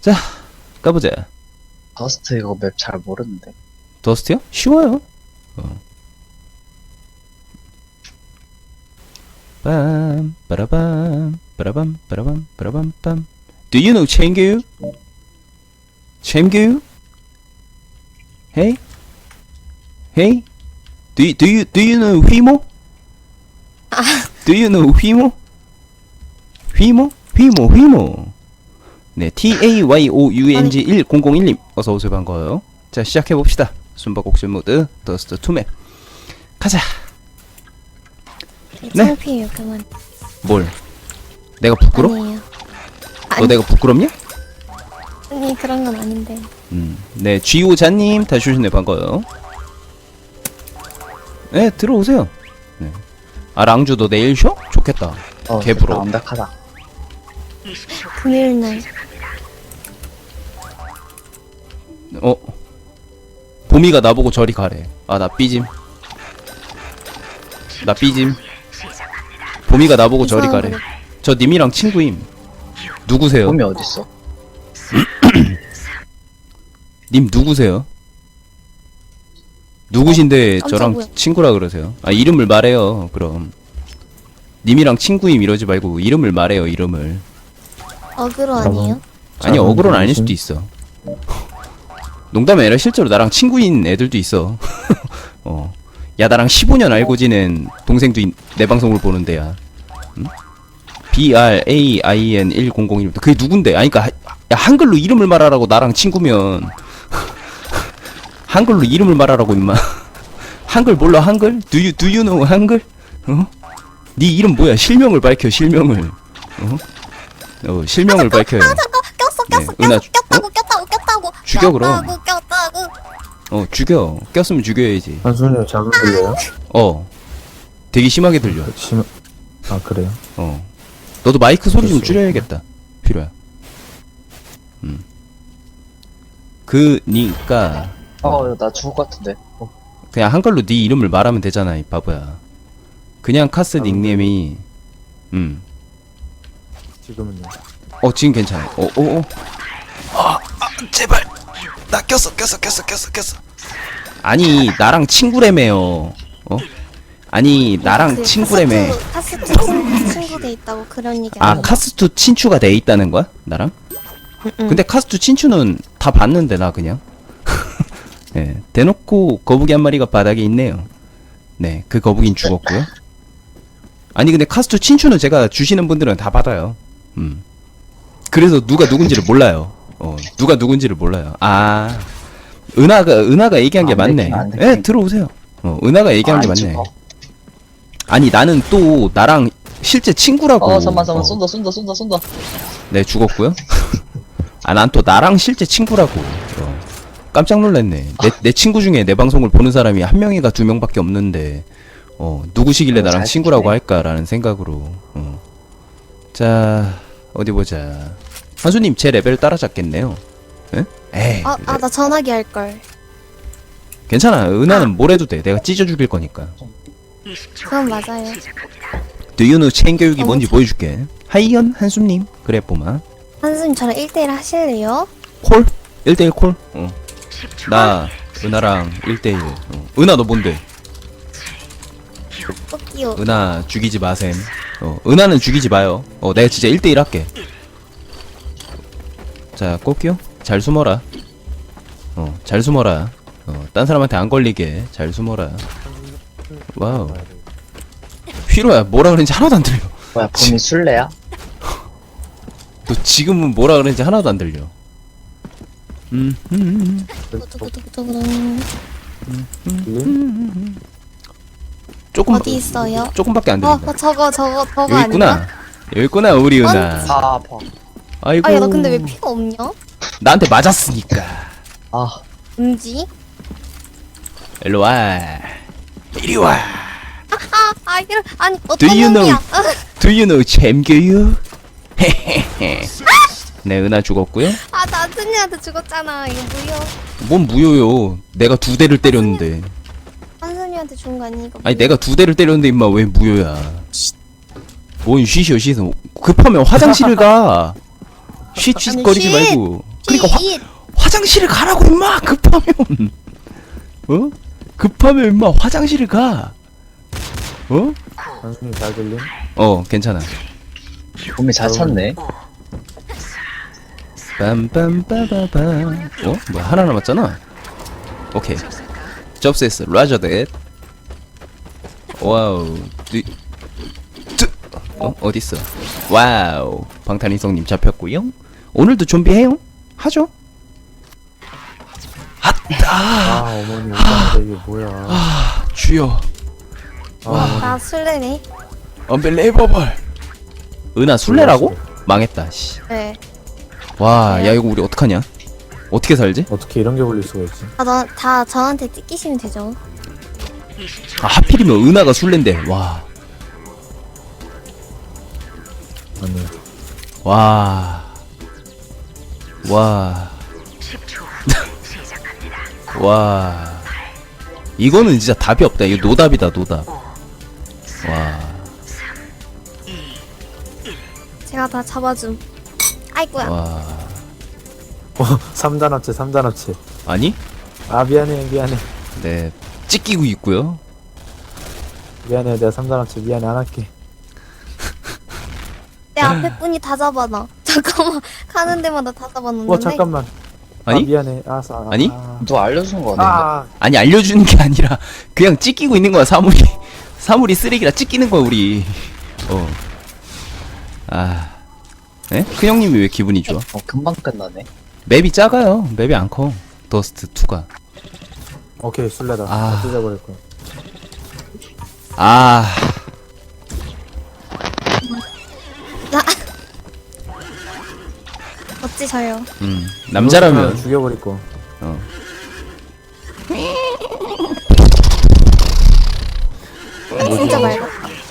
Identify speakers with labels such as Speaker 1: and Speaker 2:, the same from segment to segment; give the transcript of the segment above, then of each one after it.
Speaker 1: 자, 가보자.
Speaker 2: 더스트 이거 맵 잘 모르는데.
Speaker 1: 더스트요? 쉬워요. 빰, 빠라밤, 빠라밤, 빠라밤, 빠라밤, 빰. Do you know 챙겨요? 챙겨요? Hey? Hey? Do you know 휘모? Do you know 휘모? 휘모? 휘모. 네, TAYOUNG 1001님 어서오세요. 반가워요. 자, 시작해봅시다. 숨바꼭질 모드 더스트 2맵 가자. 네.
Speaker 3: 창피해요 그만.
Speaker 1: 뭘? 내가 부끄러?
Speaker 3: 아니에요.
Speaker 1: 너 내가 부끄럽냐?
Speaker 3: 아니 그런 건 아닌데.
Speaker 1: 네, 쥐오자님 다시 오셨네. 반가워요. 네, 들어오세요. 네. 아, 랑주 너 내일 쉬어? 좋겠다. 개부러.
Speaker 2: 완벽하다.
Speaker 3: 금요일날.
Speaker 1: 보미가 나보고 저리 가래. 아, 나 삐짐. 보미가 나보고 저리 가래. 저 님이랑 친구임. 누구세요?
Speaker 2: 봄이 어딨어?
Speaker 1: 님 누구세요? 누구신데 저랑
Speaker 3: 깜짝이야.
Speaker 1: 친구라 그러세요? 아, 이름을 말해요. 그럼 님이랑 친구임 이러지 말고 이름을 말해요. 이름을.
Speaker 3: 어그로 아니에요?
Speaker 1: 아니, 어그로는 아닐 수도 있어. 농담이 아니라 실제로 나랑 친구인 애들도 있어. 야, 나랑 15년 알고 지낸 동생도 내 방송을 보는데, 야. 응? BRAIN 1001. 그게 누군데? 아니, 그니까, 야, 한글로 이름을 말하라고 나랑 친구면. 한글로 이름을 말하라고, 임마. 한글 몰라, 한글? Do you know 한글? 네 이름 뭐야? 실명을 밝혀, 실명을. 실명을 밝혀요.
Speaker 3: 꼈어.
Speaker 1: 네, 은하,
Speaker 3: 꼈다고.
Speaker 1: 죽여, 그럼.
Speaker 3: 꼈다고.
Speaker 1: 죽여. 꼈으면 죽여야지.
Speaker 4: 한순이 작은 들려요?
Speaker 1: 되게 심하게 들려.
Speaker 4: 아 그래요?
Speaker 1: 너도 마이크 소리 좀
Speaker 4: 됐어.
Speaker 1: 줄여야겠다. 필요야. 그니까
Speaker 2: 나 죽을 것 같은데.
Speaker 1: 그냥 한글로 네 이름을 말하면 되잖아, 이 바보야. 그냥 카스 닉네임이
Speaker 4: 지금은요?
Speaker 1: 지금 괜찮아. 제발. 나 꼈어. 아니, 나랑 친구래매요. 아니, 나랑 친구래매.
Speaker 3: 카스트 친구 돼 있다고 그런 얘기
Speaker 1: 아,
Speaker 3: 아니에요?
Speaker 1: 카스투 친추가 돼 있다는 거야? 나랑? 근데 카스투 친추는 다 봤는데, 나 그냥. 네, 대놓고 거북이 한 마리가 바닥에 있네요. 네, 그 거북이는 죽었고요. 아니, 근데 카스투 친추는 제가 주시는 분들은 다 받아요. 그래서 누가 누군지를 몰라요. 누가 누군지를 몰라요. 아, 은하가 얘기한 게 맞네.
Speaker 2: 안
Speaker 1: 예, 네, 들어오세요. 은하가 얘기한 게 맞네. 아니, 나는 또 나랑 실제 친구라고.
Speaker 2: 잠깐만 쏜다.
Speaker 1: 네, 죽었고요. 아, 난 또 나랑 실제 친구라고. 깜짝 놀랐네. 내 친구 중에 내 방송을 보는 사람이 한 명이가 두 명밖에 없는데, 누구시길래 나랑 친구라고 할까라는 생각으로. 자, 어디 보자. 한수님 제 레벨 따라잡겠네요. 에? 에이.
Speaker 3: 나 전화기 할 걸.
Speaker 1: 괜찮아. 은하는 뭘 해도 돼. 내가 찢어 죽일 거니까.
Speaker 3: 그건 맞아요.
Speaker 1: Do you know 체인교육이 뭔지 보여줄게. 하이연 한수님. 그래, 뽀마.
Speaker 3: 한수님 저랑 1대1 하실래요?
Speaker 1: 콜? 1대1 콜? 나 은하랑 1대1. 은하 너 뭔데?
Speaker 3: 뽑기요.
Speaker 1: 은하 죽이지 마셈. 은하는 죽이지 마요. 내가 진짜 1대1 할게. 자, 꽃기요? 잘 숨어라. 잘 숨어라. 딴 사람한테 안 걸리게 잘 숨어라. 와우. 휘로야, 뭐라 그랬는지 하나도 안 들려.
Speaker 2: 뭐야, 봄이 술래야?
Speaker 1: 너 지금은 뭐라 그랬는지 하나도 안 들려. 조금,
Speaker 3: 어디 있어요?
Speaker 1: 조금밖에 안 들린다.
Speaker 3: 저거
Speaker 1: 여기
Speaker 3: 아닌가?
Speaker 1: 있구나. 여기 있구나, 우리 은하.
Speaker 2: 아, 아파.
Speaker 1: 아이고.
Speaker 3: 야 나 근데 왜 피가 없냐?
Speaker 1: 나한테 맞았으니까.
Speaker 2: 아,
Speaker 3: 음지?
Speaker 1: 일로 와. 이리 와.
Speaker 3: 이런 아니
Speaker 1: Do you
Speaker 3: 어떤
Speaker 1: know?
Speaker 3: 놈이야?
Speaker 1: Do you know 잼교육? 네, 은하 죽었고요.
Speaker 3: 나 한순이한테 죽었잖아. 이거 무효.
Speaker 1: 뭔 무효요? 내가 2대를 때렸는데.
Speaker 3: 한순이한테 죽은 거 아니 이거?
Speaker 1: 아니, 내가 2대를 때렸는데 임마 왜 무효야? 뭔 쉬셔. 급하면 화장실을 가. 쉿쉿거리지
Speaker 3: 아니,
Speaker 1: 말고. 그러니까
Speaker 3: 이
Speaker 1: 화장실을 가라고 임마 급하면. 어? 급하면 임마 화장실을 가. 어?
Speaker 4: 한순이 잘 들림?
Speaker 1: 괜찮아.
Speaker 2: 봄이 잘 찼네.
Speaker 1: 빰빰빠바밤. 뭐야 하나 남았잖아. 오케이. 접수했어. 라저 댓. 와우. 어딨어? 와우. 방탄인성님 잡혔고요. 오늘도 좀비해요? 하죠?
Speaker 4: 아, 어머니 오빠한테 이게 뭐야.
Speaker 1: 주여.
Speaker 3: 나 술래네.
Speaker 1: 언벨레이버벌. 은하 술래라고? 망했다. 씨.
Speaker 3: 네.
Speaker 1: 와, 야 이거 우리 어떡하냐? 어떻게 살지?
Speaker 4: 어떻게 이런 게 걸릴 수가 있지?
Speaker 3: 다 저한테 찢기시면 되죠.
Speaker 1: 아, 하필이면 은하가 술래인데. 와.
Speaker 4: 아니,
Speaker 1: 와. 와. 와. 이거는 진짜 답이 없다. 이거 노답이다, 노답. 와.
Speaker 3: 제가 다 잡아줌. 아이고야.
Speaker 1: 와.
Speaker 4: 3단 합체, 3단 합체.
Speaker 1: 아니?
Speaker 4: 아, 미안해.
Speaker 1: 네. 찢기고 있고요.
Speaker 4: 미안해, 내가 3단 합체 미안해, 안 할게.
Speaker 3: 내 앞에 분이 다 잡아놔. 잠깐만. 가는 데마다 다 잡아놓는데.
Speaker 4: 잠깐만.
Speaker 1: 아니?
Speaker 4: 아, 미안해, 알았어.
Speaker 1: 아니?
Speaker 2: 너 알려준 거 같은데.
Speaker 4: 아,
Speaker 1: 아니, 알려주는 게 아니라, 그냥 찢기고 있는 거야, 사물이. 사물이 쓰레기라 찢기는 거야, 우리. 에? 큰형님이 왜 기분이 좋아?
Speaker 2: 금방 끝나네.
Speaker 1: 맵이 작아요. 맵이 안 커. 더스트 2가.
Speaker 4: 오케이, 술래다.
Speaker 1: 아.
Speaker 4: 찢어버릴 거야.
Speaker 1: 아,
Speaker 3: 나. 어찌서요?
Speaker 1: 남자라면.
Speaker 4: 죽여버릴 거.
Speaker 3: 진짜 맑아.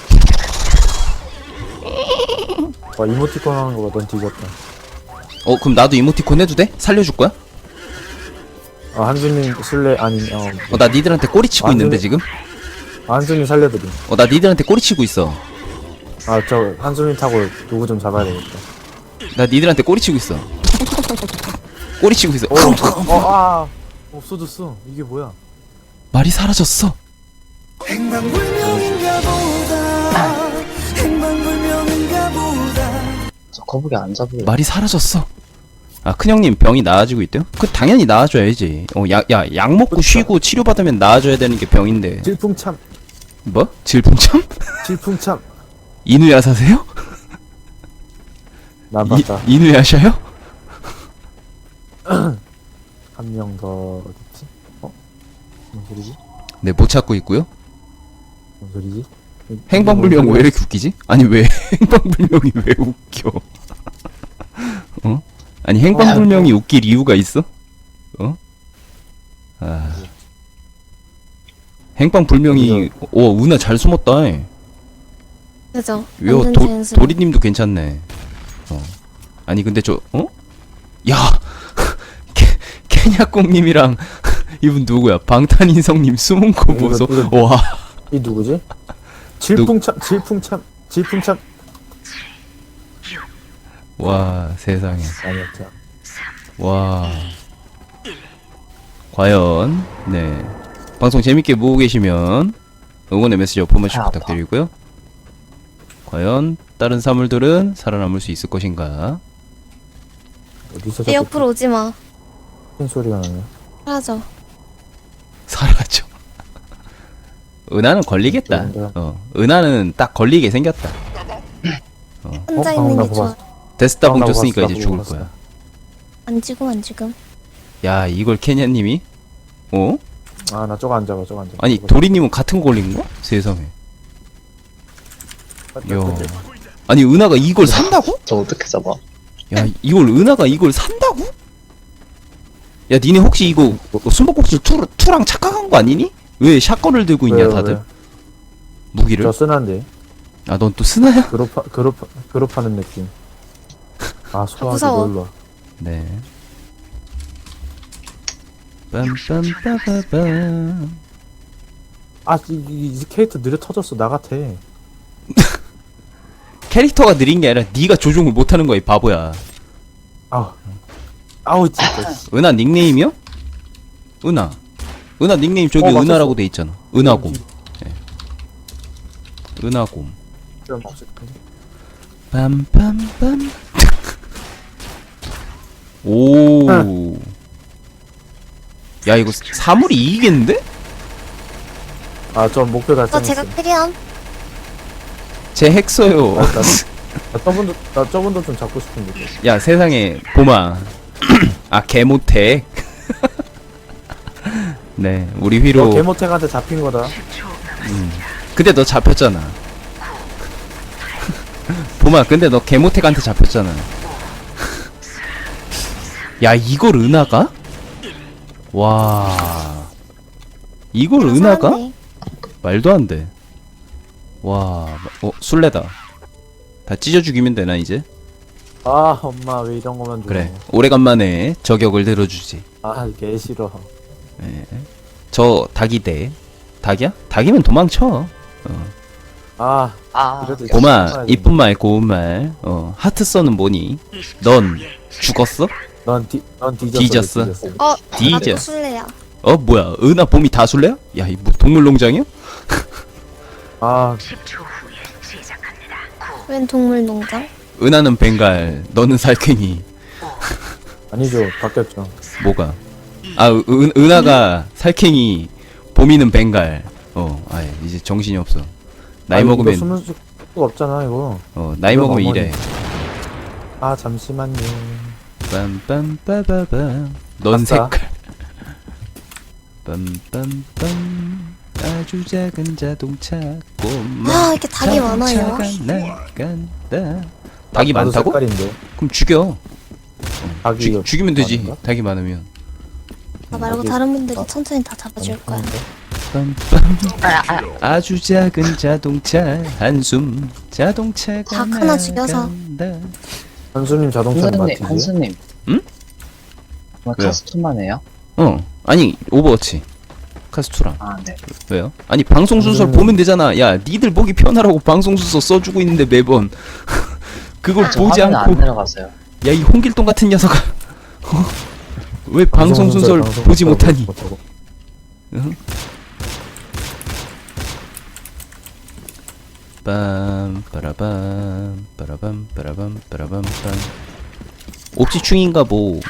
Speaker 4: 와, 이모티콘 하는 거가 넌 뒤졌다.
Speaker 1: 그럼 나도 이모티콘 해도 돼? 살려줄 거야?
Speaker 4: 아, 한준님 술래, 아니,
Speaker 1: 나 니들한테 꼬리치고
Speaker 4: 완전히-
Speaker 1: 있는데, 지금?
Speaker 4: 한준님 살려드림.
Speaker 1: 나 니들한테 꼬리치고 있어.
Speaker 4: 아, 저 한준님 타고 누구 좀 잡아야 되겠다.
Speaker 1: 나 니들한테 꼬리치고 있어. 꼬리치고 있어.
Speaker 4: 없어졌어. 이게 뭐야?
Speaker 1: 말이 사라졌어.
Speaker 2: 저 거북이 안 잡으려.
Speaker 1: 말이 사라졌어. 아, 큰형님 병이 나아지고 있대요? 당연히 나아져야지. 약 먹고 쉬고 치료받으면 나아져야 되는 게 병인데.
Speaker 4: 질풍참,
Speaker 1: 뭐? 질풍참?
Speaker 4: 질풍참.
Speaker 1: 이누야사세요?
Speaker 4: 난 봤다.
Speaker 1: 이누야샤요?
Speaker 4: 한 명 더 어딨지? 뭔 소리지?
Speaker 1: 네, 못 찾고 있고요.
Speaker 4: 뭔 소리지?
Speaker 1: 행방불명 왜 이렇게 웃기지? 아니 왜 행방불명이 왜 웃겨? 아니 행방불명이 웃길 이유가 있어? 행방불명이 은하 잘 숨었다.
Speaker 3: 그죠?
Speaker 1: 요
Speaker 3: 완전 자연스러워.
Speaker 1: 도리님도 괜찮네. 아니 근데 야 케냐꽁님이랑 이분 누구야? 방탄인성님 숨은 거 보소. 와.
Speaker 4: 이 누구지? 질풍참.
Speaker 1: 와 세상에.
Speaker 4: 아니었죠.
Speaker 1: 와. 과연 네 방송 재밌게 보고 계시면 응원의 메시지 한 번씩
Speaker 2: 아파.
Speaker 1: 부탁드리고요. 과연 다른 사물들은 살아남을 수 있을 것인가?
Speaker 4: 어디서
Speaker 3: 내 옆으로 오지 마.
Speaker 4: 큰 소리가 나네.
Speaker 3: 사라져.
Speaker 1: 사라져. 은하는 걸리겠다. 은하는 딱 걸리게 생겼다.
Speaker 3: 혼자
Speaker 4: 방금
Speaker 3: 있는
Speaker 4: 나
Speaker 3: 게 좋아.
Speaker 4: 보고
Speaker 1: 데스타 봉
Speaker 4: 나보고
Speaker 1: 줬으니까
Speaker 4: 봤어,
Speaker 1: 이제
Speaker 4: 나보고
Speaker 1: 죽을 거야.
Speaker 3: 안 지금.
Speaker 1: 야 이걸 케냐님이?
Speaker 4: 아, 나 저거 안 잡아.
Speaker 1: 아니 도리님은 같은 거 걸린 거? 세상에. 야. 아니 은하가 이걸 산다고?
Speaker 2: 저 어떻게 잡아?
Speaker 1: 야 이걸 은하가 이걸 산다고? 야 니네 혹시 이거 숨바꼭질 투랑 착각한 거 아니니? 왜 샷건을 들고 있냐
Speaker 4: 왜요,
Speaker 1: 다들?
Speaker 4: 왜?
Speaker 1: 무기를?
Speaker 4: 저 쓰난데.
Speaker 1: 아 넌 또 스나야?
Speaker 4: 그룹하는 느낌. 아, 소화기
Speaker 3: 무서워.
Speaker 4: 놀러.
Speaker 1: 네. 빰빰빠바밤.
Speaker 4: 아, 이 캐릭터 느려 터졌어. 나 같아.
Speaker 1: 캐릭터가 느린 게 아니라 네가 조종을 못하는 거야 이 바보야.
Speaker 4: 아, 아우 진짜.
Speaker 1: 은하 닉네임이요? 은하 닉네임 저기
Speaker 4: 맞췄어.
Speaker 1: 은하라고 돼 있잖아. 은하곰. 예. 은하곰.
Speaker 4: 그럼 없을 텐데.
Speaker 1: 빰빰빰. 오. 야 이거 사물이 이기겠는데?
Speaker 4: 아저 목표
Speaker 3: 저
Speaker 4: 달성했어.
Speaker 3: 제가 캐리함.
Speaker 1: 제 핵 써요.
Speaker 4: 나 저분도 좀 잡고 싶은데.
Speaker 1: 야 세상에 봄아. 아 개모택. 네 우리 휘로.
Speaker 4: 개모택한테 잡힌 거다.
Speaker 1: 근데 너 잡혔잖아. 봄아 근데 너 개모택한테 잡혔잖아. 야 이걸 은하가? 와 이걸 은하가?
Speaker 3: 사람네.
Speaker 1: 말도 안 돼. 와, 술래다. 다 찢어 죽이면 되나 이제?
Speaker 4: 아 엄마 왜 이런 거만 줘.
Speaker 1: 그래. 오래간만에 저격을 들어주지.
Speaker 4: 아개 싫어.
Speaker 1: 예. 저 닭이대. 닭이야? 닭이면 도망쳐.
Speaker 4: 아
Speaker 2: 아,
Speaker 4: 그래도
Speaker 1: 봄아, 이쁜 말, 고운 말. 하트 써는 뭐니? 넌 죽었어?
Speaker 4: 넌 뒤졌어.
Speaker 1: 뒤졌어.
Speaker 3: 어,
Speaker 1: 디저.
Speaker 3: 나도 술래야.
Speaker 1: 뭐야? 은하 봄이 다 술래야? 야, 이 뭐 동물농장이야?
Speaker 4: 아
Speaker 3: 웬 동물농장?
Speaker 1: 은하는 벵갈, 너는 살쾡이.
Speaker 4: 아니죠 바뀌었죠.
Speaker 1: 뭐가? 은하가 살쾡이, 봄이는 벵갈. 아예 이제 정신이 없어. 나이
Speaker 4: 아니,
Speaker 1: 먹으면
Speaker 4: 이거 숨을 수가 없잖아 이거.
Speaker 1: 나이
Speaker 4: 이거
Speaker 1: 먹으면
Speaker 4: 어머니.
Speaker 1: 이래.
Speaker 4: 아 잠시만요.
Speaker 1: 빰빰빠바밤. 넌
Speaker 4: 아싸.
Speaker 1: 색깔. 빰빰빰. 아주 작은 자동차 꼬마.
Speaker 3: 아, 이렇게 닭이 많아요.
Speaker 1: 자동차가 나간다. 닭이
Speaker 4: 나도
Speaker 1: 많다고?
Speaker 4: 색깔인데.
Speaker 1: 그럼 죽여.
Speaker 4: 닭이 이거
Speaker 1: 죽이면 되지.
Speaker 4: 많은가?
Speaker 1: 닭이 많으면.
Speaker 3: 나 말고
Speaker 4: 여기-
Speaker 3: 다른 분들이 천천히 다 잡아줄 거야.
Speaker 1: 빰빰. 아주 작은 자동차 한숨. 자동차가
Speaker 3: 닭 하나 죽여서.
Speaker 1: 나간다.
Speaker 4: 한수님 자동차
Speaker 2: 한수님,
Speaker 4: 맞지?
Speaker 2: 한수님.
Speaker 1: 응?
Speaker 2: 정말
Speaker 1: 왜요?
Speaker 2: 카스투만 해요?
Speaker 1: 아니 오버워치 카스투랑.
Speaker 2: 아, 네.
Speaker 1: 왜요? 아니 방송 순서
Speaker 4: 무슨-
Speaker 1: 보면 되잖아. 야 니들 보기 편하라고 방송 순서 써주고 있는데 매번 그걸
Speaker 2: 저
Speaker 1: 보지
Speaker 2: 화면
Speaker 1: 않고.
Speaker 2: 안 내려갔어요.
Speaker 1: 야 이 홍길동 같은 녀석아. 왜 방송 순서를 보지 못하니? 응? 빰 빠라밤 빠라밤 빠라밤 빠라밤 빰. 옵지충인가 뭐.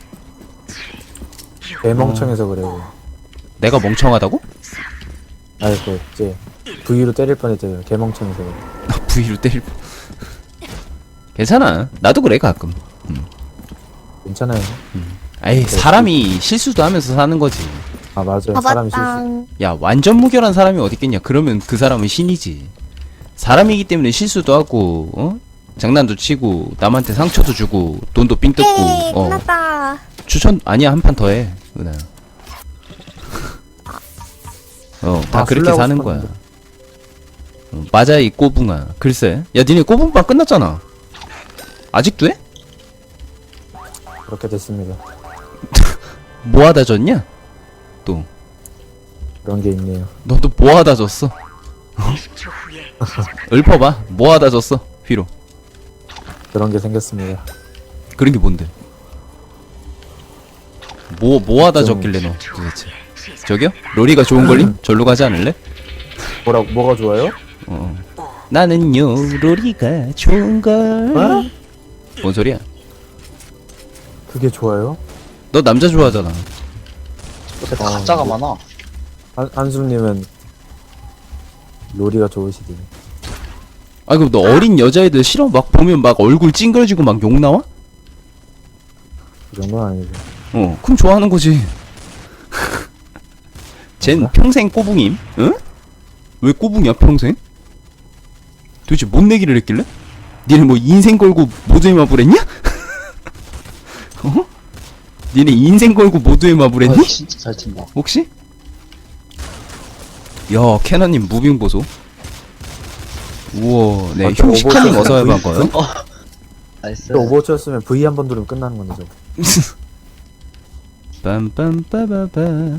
Speaker 4: 개멍청해서 그래. 이거.
Speaker 1: 내가 멍청하다고?
Speaker 4: 아이 그 이제 V로 때릴 뻔했잖아요. 개멍청해서 그래.
Speaker 1: 나 V로 때릴 뻔. 괜찮아. 나도 그래 가끔.
Speaker 4: 괜찮아요.
Speaker 1: 아이 사람이 실수도 하면서 사는 거지.
Speaker 4: 아 맞아요. 사람이 실수.
Speaker 3: 봐봤당.
Speaker 1: 야 완전 무결한 사람이 어딨겠냐. 그러면 그 사람은 신이지. 사람이기 때문에 실수도 하고 장난도 치고 남한테 상처도 주고 돈도 삥 뜯고.
Speaker 3: 헤이, 끝났다.
Speaker 1: 추천 아니야 한 판 더 해 은하. 다
Speaker 4: 아,
Speaker 1: 그렇게
Speaker 4: 술래하고
Speaker 1: 사는 거야.
Speaker 4: 싶었는데.
Speaker 1: 맞아 이 꼬붕아. 글쎄 야 니네 꼬붕빵 끝났잖아. 아직도 해?
Speaker 4: 그렇게 됐습니다.
Speaker 1: 뭐하다 졌냐? 또
Speaker 4: 그런 게 있네요.
Speaker 1: 너도 뭐하다 졌어? 읊어봐. 뭐하다 졌어 휘로.
Speaker 4: 그런 게 생겼습니다.
Speaker 1: 그런 게 뭔데? 뭐하다
Speaker 4: 좀-
Speaker 1: 졌길래 너 도대체. 저기요? 로리가 좋은 걸림? 절로 가지 않을래?
Speaker 4: 뭐가 좋아요?
Speaker 1: 나는요 로리가 좋은 걸.
Speaker 4: 어?
Speaker 1: 뭔 소리야?
Speaker 4: 그게 좋아요?
Speaker 1: 너 남자 좋아하잖아.
Speaker 2: 근데 가짜가
Speaker 4: 네.
Speaker 2: 많아.
Speaker 4: 한수님은 로리가 좋으시대요.
Speaker 1: 아 그럼 너 어린 여자애들 싫어? 막 보면 막 얼굴 찡그러지고 막 욕 나와?
Speaker 4: 그 정도는 아니죠.
Speaker 1: 그럼 좋아하는 거지. 쟨
Speaker 4: 뭔가?
Speaker 1: 평생 꼬붕임? 응? 왜 꼬붕이야 평생? 도대체 뭔 내기를 했길래? 니네 뭐 인생 걸고 모두의 마블 했냐? 니네 인생 걸고 모두의 마블
Speaker 2: 와,
Speaker 1: 했니?
Speaker 2: 진짜 잘 친다.
Speaker 1: 혹시? 야 캐나님 무빙 보소. 우와 네
Speaker 4: 저
Speaker 1: 효시카님
Speaker 4: 오버워치
Speaker 1: 어서 해봐 거요.
Speaker 2: 나이스.
Speaker 4: 또 오버워치였으면 V 한 번 누르면 끝나는 건데 저거.
Speaker 1: 빰빰빠바바.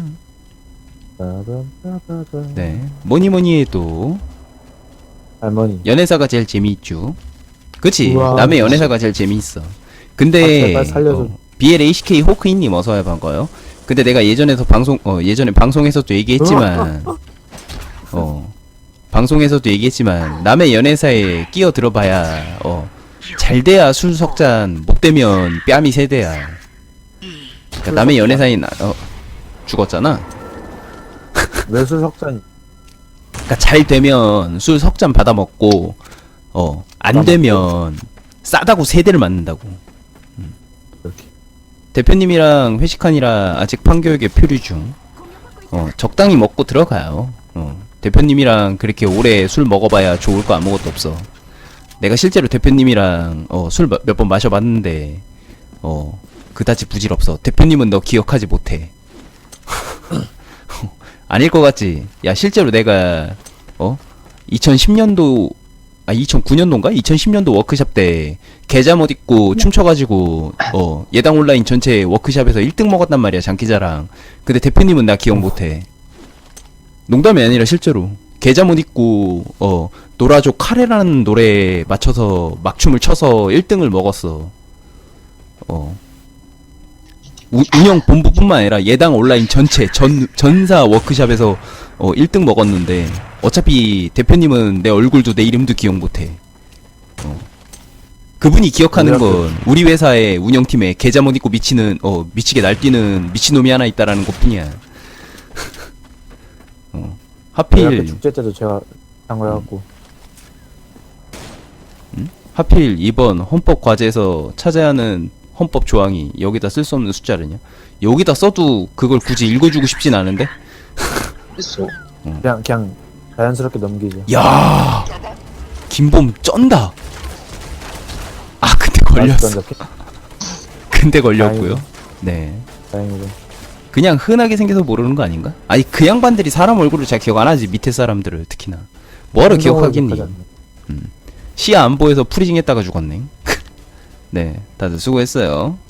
Speaker 4: 빠밤빠바밤.
Speaker 1: 네 뭐니 해도
Speaker 4: 할머니.
Speaker 1: 연애사가 제일 재미있죠. 그치?
Speaker 4: 우와.
Speaker 1: 남의 연애사가 제일 재미있어. 근데
Speaker 4: 아, 제발 살려줘.
Speaker 1: BLACK 호크인님 어서와요. 반가워요. 근데 내가 예전에 방송에서도 얘기했지만 방송에서도 얘기했지만 남의 연애사에 끼어들어봐야 잘돼야 술 석잔, 못되면 뺨이 세대야. 그러니까 남의 연애사에 죽었잖아.
Speaker 4: 외술 석잔
Speaker 1: 그러니까 잘 되면 술 석잔 받아먹고 안 되면 싸다고 세대를 맞는다고.
Speaker 4: 이렇게.
Speaker 1: 대표님이랑 회식하니라 아직 판교육에 표류 중. 적당히 먹고 들어가요. 대표님이랑 그렇게 오래 술 먹어봐야 좋을 거 아무것도 없어. 내가 실제로 대표님이랑 술 몇 번 마셔봤는데 그다지 부질없어. 대표님은 너 기억하지 못해. 아닐 것 같지? 야 실제로 내가 2010년도 2009년도인가? 2010년도 워크샵 때 개잠옷 입고 춤춰가지고 예당 온라인 전체 워크샵에서 1등 먹었단 말이야 장기자랑. 근데 대표님은 나 기억 못해. 농담이 아니라 실제로 개잠옷 입고 노라조 카레라는 노래에 맞춰서 막춤을 춰서 1등을 먹었어. 운영 본부뿐만 아니라 예당 온라인 전체 전사 워크샵에서 1등 먹었는데 어차피 대표님은 내 얼굴도 내 이름도 기억 못해. 그분이 기억하는 건 우리 회사의 운영팀에 개잠옷 입고 미치게 날뛰는 미친놈이 하나 있다라는 것뿐이야. 하필
Speaker 4: 축제 때도 제가 한 거여갖고
Speaker 1: 하필 이번 헌법 과제에서 찾아야 하는 헌법 조항이 여기다 쓸 수 없는 숫자르냐? 여기다 써도 그걸 굳이 읽어주고 싶진 않은데?
Speaker 2: 있어.
Speaker 4: 그냥 자연스럽게 넘기죠.
Speaker 1: 야, 김범 쩐다. 아 근데 걸렸어. 근데 걸렸고요. 네.
Speaker 4: 다행이죠.
Speaker 1: 그냥 흔하게 생겨서 모르는 거 아닌가? 아니 그 양반들이 사람 얼굴을 잘 기억 안 하지. 밑에 사람들을 특히나. 뭐하러 기억하겠니? 시야 안 보여서 프리징 했다가 죽었네. 네, 다들 수고했어요.